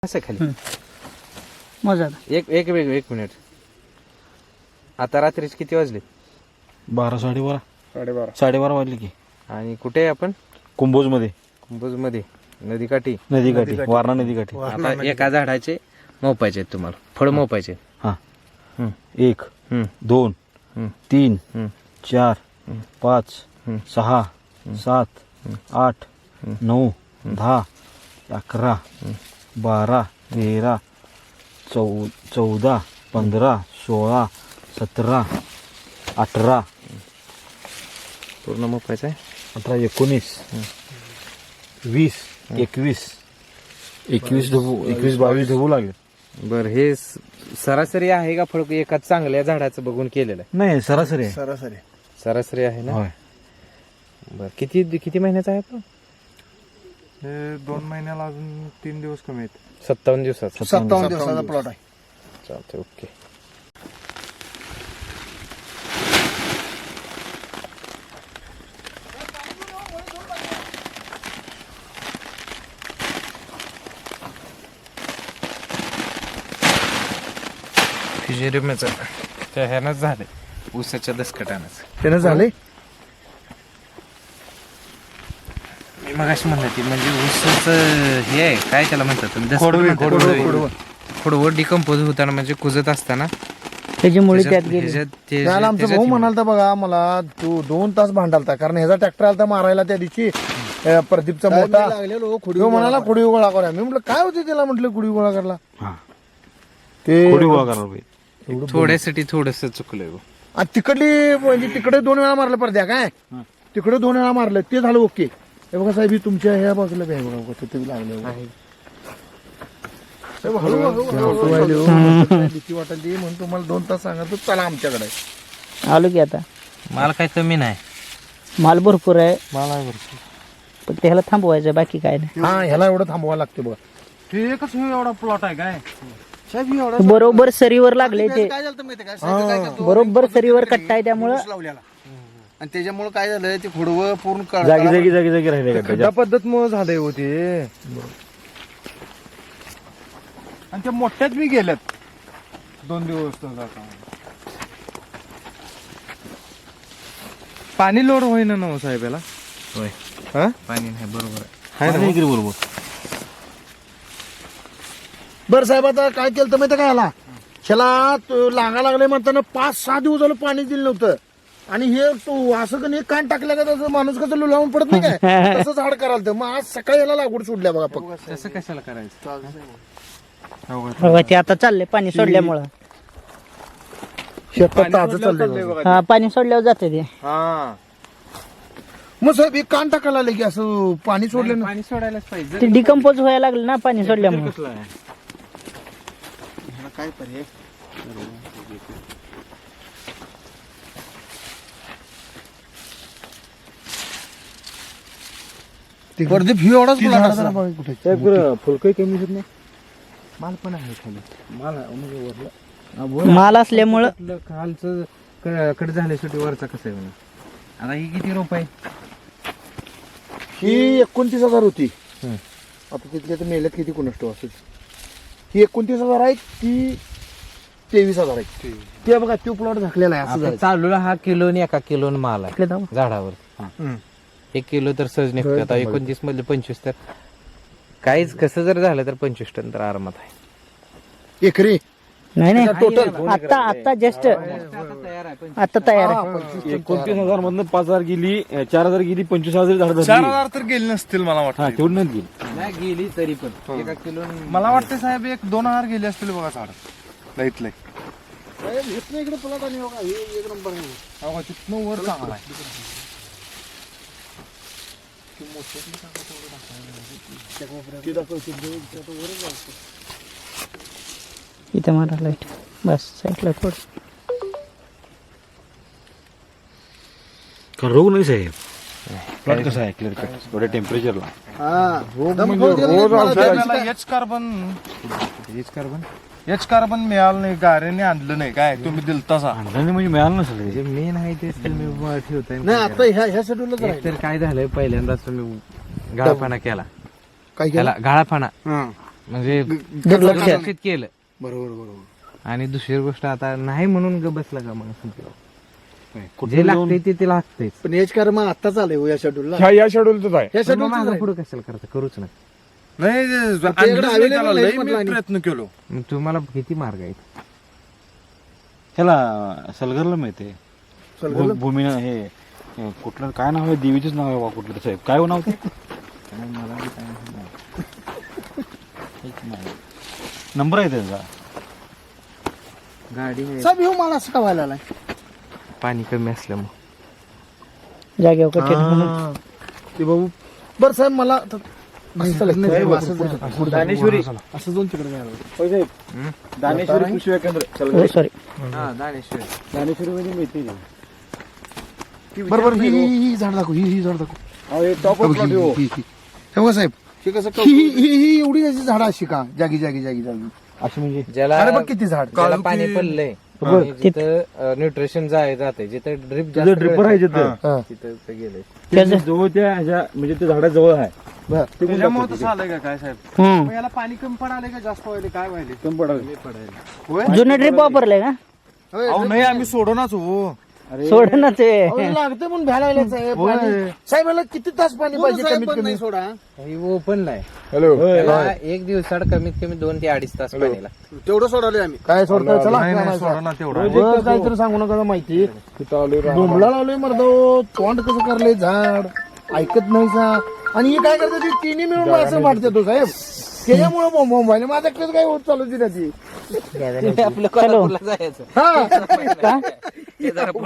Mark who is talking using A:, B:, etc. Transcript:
A: असं खाली
B: मजा
A: एक एक एक एक मिनिट. आता रात्रीचे किती वाजले?
C: 12 साडेबारा वाजले की.
A: आणि कुठे आहे आपण?
C: कुंभोज मध्ये.
A: कुंभोज मध्ये नदीकाठी.
C: वारणा नदीकाठी.
A: आता एका झाडाचे मोपायचे आहेत तुम्हाला, फळ मोपायचे.
C: हा.
A: हम्म.
C: 1
A: हम्म.
C: 2
A: हम्म.
C: 3
A: हम्म.
C: 4 5
A: हम्म.
C: 6 7 8 9 10 11 12 13 14 15 16 17 18
A: पूर्ण मोपायचं आहे.
C: 18 19 20 21 22 ढबू लागले.
A: बर, हे सरासरी आहे का फळ एका चांगल्या झाडाचं बघून केलेलं आहे?
C: नाही सरासरी आहे.
A: सरासरी आहे ना.
C: होय.
A: बर, किती किती महिन्याचा आहे आपण?
D: 2 महिन्याला अजून 3 दिवस कमी आहेत.
A: 57 दिवसाचा.
D: 57 दिवसाचा प्लॉट आहे.
A: चालतंय, ओके. फिजेरियमच त्या ह्यानंच झालंय, ऊसाच्या दसकटानंच.
D: त्यानं झाले.
A: मी मगाशी म्हणलं ती म्हणजे ऊसाचं हे आहे, काय त्याला म्हणतात? खोडवं डिकम्पोज होताना म्हणजे कुजत असताना
B: त्याच्यामुळे त्यात गेले.
D: त्याला आमचा भाऊ म्हणालता बघा मला, तू 2 तास भांडालता कारण ह्याचा ट्रॅक्टर आलता मारायला त्या दिवशी प्रदीपचा मोठा. तो म्हणाला खुडी गोळा करा. मी म्हटलं काय होते त्याला, म्हटलं खुडी गोळा करला.
C: हा.
D: ते
C: थोडी गोळा करायला पाहिजे.
A: थोड्यासाठी थोडस चुकलंय.
D: आणि तिकडली म्हणजे तिकडे 2 वेळा मारलं पडद्या काय, तिकडे 2 वेळा मारलं ते झालं ओके. हे बघा साहेब, ही तुमच्या ह्या बाजूला बघा बघा तिथे लागलं. भीती वाटली म्हणून तुम्हाला 2 तास सांगतो चला आमच्याकडे.
B: आलो की आता.
A: माल काय कमी नाही,
B: माल भरपूर आहे,
D: मला
B: पण त्याला थांबवायचं, बाकी काय नाही.
D: हा ह्याला एवढं थांबवायला लागते बघा.
C: हे एकच एवढा प्लॉट आहे काय?
B: बरोबर सरीवर लागले ते,
E: काय झालं माहिती काय काय करतो,
B: बरोबर सरीवर कट्टा आहे त्यामुळं
E: लावलेला आणि त्याच्यामुळे काय झालं ते खोडवं पूर्ण
C: जागी राहिले का?
D: खड्डा पद्धत मुळे झालंय होते. आणि त्या मोठ्याच बी गेल्यात 2 दिवस. पाणी लोड होईना ना साहेब याला.
A: होय.
D: हा?
A: पाणी नाही, बरोबर
D: हाय ना?
C: बरोबर.
D: बरं साहेब, आता काय केलं तर माहिती काय ह्याला, लागा लागले म्हणताना 5-6 दिवस झालं पाणी दिलं नव्हतं. आणि हे तो असं का नाही कान टाकल्या का तसं माणूस कसं लुलावून पडत नाही काय, तसंच हाड कराल तर. मग आज सकाळी याला लागवड सोडल्या बघा फक्त.
A: तसं कशाला करायचं?
B: बघा ते आता चाललंय पाणी सोडल्यामुळं.
D: शेतात ताजं चाललंय.
B: हा, पाणी सोडल्यावर जाते ते.
D: हा, मग साहेब एक कान टाकायला आले की असं पाणी सोडलं ना.
A: पाणी सोडायलाच पाहिजे.
B: ते डिकम्पोज व्हायला लागलं ना पाणी सोडल्यामुळे.
E: काय पर्याय.
D: प्रदीप ही एवढाच
C: फुलकही कमी होत नाही.
D: माल पण आहे खाली.
B: माल असल्यामुळं
A: खालचं कट झाल्यासाठी वरचा कसं आहे म्हणून. आता ही किती रोप आहे?
D: ही 29,000 होती. आता तिथल्या तर मेल्यात किती कुणाष्ट असेल. ही 29,000 आहे, ती 23,000 आहे. ते बघा तो प्लॉट झाकलेला आहे असं
A: आता
D: झालं.
A: चालूला हा किलो आणि 1 किलो माल आहे
B: इकडे जाऊ.
A: झाडावर. 1 किलो तर सहज निघतो. आता 29 मधले 25 तर काहीच कसं जर झालं तर 25 टन तर आरामात आहे.
D: एकरी
B: नाही नाही,
D: टोटल
B: आता जस्ट आता तयार आहे.
C: 29,000 मधनं 5,000 गेली, 4,000 गेली, 25,000 झाड झाली.
D: 4,000 तर गेले नसतील मला
C: हा
D: वाटतं.
C: तेवढी नाही गेली.
A: नाही गेली तरी पण 1 किलो.
D: मला वाटतं साहेब 1-2,000 गेले असतील बघा झाड लईत लई. इकडे प्लॉट आणि बघा हे 1 नंबर आहे. तिथनं वर चांगला आहे.
B: इथे मारा लाईट बस साईडला थोडं.
C: कारण रोग नाही साहेब. प्लॉट कसा आहे क्लिअर कट एवढ्या टेम्परेचरला.
D: एच कार्बन मिळालं नाही, गाऱ्याने आणलं नाही काय तुम्ही दिल तसा.
C: आणलं म्हणजे मिळालं नसेल.
A: जे मेन आहे तेच तुम्ही ठेवताय.
D: नाही आता ह्या शेड्यूलच
A: एक तर काय झालंय, पहिल्यांदाच तुम्ही गाळापाना केला.
D: काय
A: त्याला गाळापाना म्हणजे
B: दुर्लक्ष.
A: दुर्लक्षित केलं.
D: बरोबर बरोबर.
A: आणि दुसरी गोष्ट आता नाही म्हणून ग बसला का मग जे लागते ते लागतेच.
D: पण हेच कर्म आत्ताच आलंय हो या शेड्यूलला.
C: या शेड्यूलच आहे.
D: या
A: पण मग माझं
D: शेड्यूल
A: पुढे कशाला करता करूच ना.
C: नाही
D: available
C: लय
D: नाही
C: मी
D: म्हटलं आणि.
C: प्रयत्न केलो.
A: मग तुम्हाला किती मार्ग आहेत.
F: ह्याला सलगरला मिळते भूमी हे कुठलं काय नाव आहे देवीचंच नाव आहे बा कुठलं साहेब काय हो नाव ते नंबर आहे त्याचा
A: गाडी
D: साहेब ह्यो मला असं का व्हायला आलाय?
A: पाणी कमी असल्यामुळे
B: जागेवर कठीण म्हणून.
D: ते बाबू बरं साहेब मला आता- नाही, साहेब, असं
C: दानेश्वरी
D: असं जाऊन तिकडे जायला.
C: होय साहेब. दानेश्वरी कृषी केंद्र
B: हो सॉरी
A: दानेश्वर
C: दानेश्वरी मध्ये मिळते
D: बरोबर ही झाड दाखव ही झाड दाखव.
C: टॉप ऑफ प्लॉट हो.
D: ही बघा साहेब
E: हे कसं
D: ही एवढी अशी झाडं अशी का जागी जागी जागी जागी
C: अशी म्हणजे
A: ज्याला
D: अरे बघ किती झाड.
A: ज्याला पाणी पडलंय आणि जिथं न्यूट्रिशन जाते जिथं ड्रिप जास्त
C: ड्रिपर आहे
A: वेळ
C: तिथं.
D: हा.
A: तिथं ते गेलंय.
B: त्याचं
C: जवळ त्या ह्याच्या म्हणजे त्या झाडाजवळ आहे.
D: बर.
E: त्याच्यामुळे तसं आलंय का काय साहेब?
B: हम्म.
E: मग याला पाणी कमी पडाले का जास्त व्हायले काय व्हायले?
C: कमी पडावी.
B: जुनं ड्रिप वापरलंय का
E: अहो नाही आम्ही सोडूनच हो.
B: सोड ना ते
D: अहो, हे लागते म्हणून भ्यायला लागले साहेब पाणी. साहेब याला किती तास पाणी पाहिजे
E: साहेब
D: कमीत
E: पण
D: कमी?
E: नाही सोडा.
A: हे ओपन नाही
C: हॅलो
A: त्याला एक दिवसाड कमीत कमी 2 ते 2.5 तास पाणी लागतं.
E: तेवढं सोडवले आम्ही.
D: काय सोडतोय चला
E: नाही
D: आणायचं.
E: सोडा ना तेवढं.
D: रोज काहीतरी सांगू नका माहिती. डोंबला लावलोय मर्दो तोंड कसं करलंय झाड ऐकत नाही सा. आणि हे काय करतात ते तिन्ही मिळून मला असं वाटतं तो साहेब त्याच्यामुळे मोबाईल माझ्याकडे काय होत चालू ती
A: आपलं कोल्हापूरला जायचं
D: हा
A: हे जरा